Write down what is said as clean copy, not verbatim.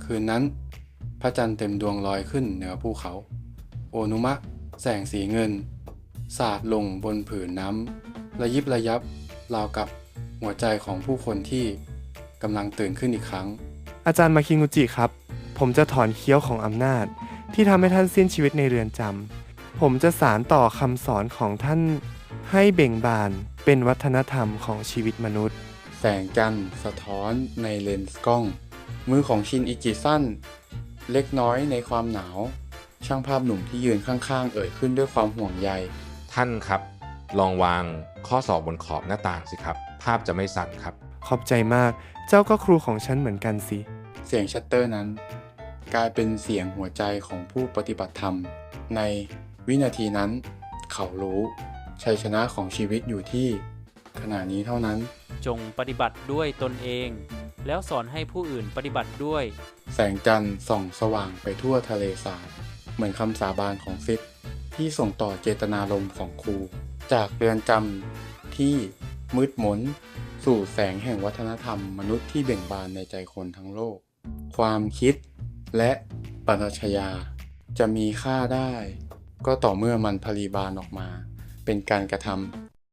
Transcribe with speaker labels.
Speaker 1: คืนนั้นพระจันทร์เต็มดวงลอยขึ้นเหนือภูเขาโอนุมะแสงสีเงินสาดลงบนผืนน้ำระยิบระยับราวกับหัวใจของผู้คนที่กำลังตื่นขึ้นอีกครั้ง
Speaker 2: อาจารย์มาคิงุจิครับผมจะถอนเขี้ยวของอำนาจที่ทำให้ท่านสิ้นชีวิตในเรือนจำผมจะสานต่อคำสอนของท่านให้เบ่งบานเป็นวัฒนธรรมของชีวิตมนุษย์
Speaker 1: แสงจันทร์สะท้อนในเลนส์กล้องมือของชินอิจิสั้นเล็กน้อยในความหนาวช่างภาพหนุ่มที่ยืนข้างๆเอ่ยขึ้นด้วยความห่วงใย
Speaker 3: ท่านครับลองวางข้อศอกบนขอบหน้าต่างสิครับภาพจะไม่สั่นครับ
Speaker 2: ขอบใจมากเจ้าก็ครูของฉันเหมือนกันสิ
Speaker 1: เสียงชัตเตอร์นั้นกลายเป็นเสียงหัวใจของผู้ปฏิบัติธรรมในวินาทีนั้นเขารู้ชัยชนะของชีวิตอยู่ที่ขณะนี้เท่านั้น
Speaker 4: จงปฏิบัติด้วยตนเองแล้วสอนให้ผู้อื่นปฏิบัติด้วย
Speaker 1: แสงจันทร์ส่องสว่างไปทั่วทะเลสาบเหมือนคำสาบานของซิดที่ส่งต่อเจตนารมณ์ของครูจากเรือนจำที่มืดมนสู่แสงแห่งวัฒนธรรมมนุษย์ที่เบ่งบานในใจคนทั้งโลกความคิดและปรัชญาจะมีค่าได้ก็ต่อเมื่อมันผลิบานออกมาเป็นการกระท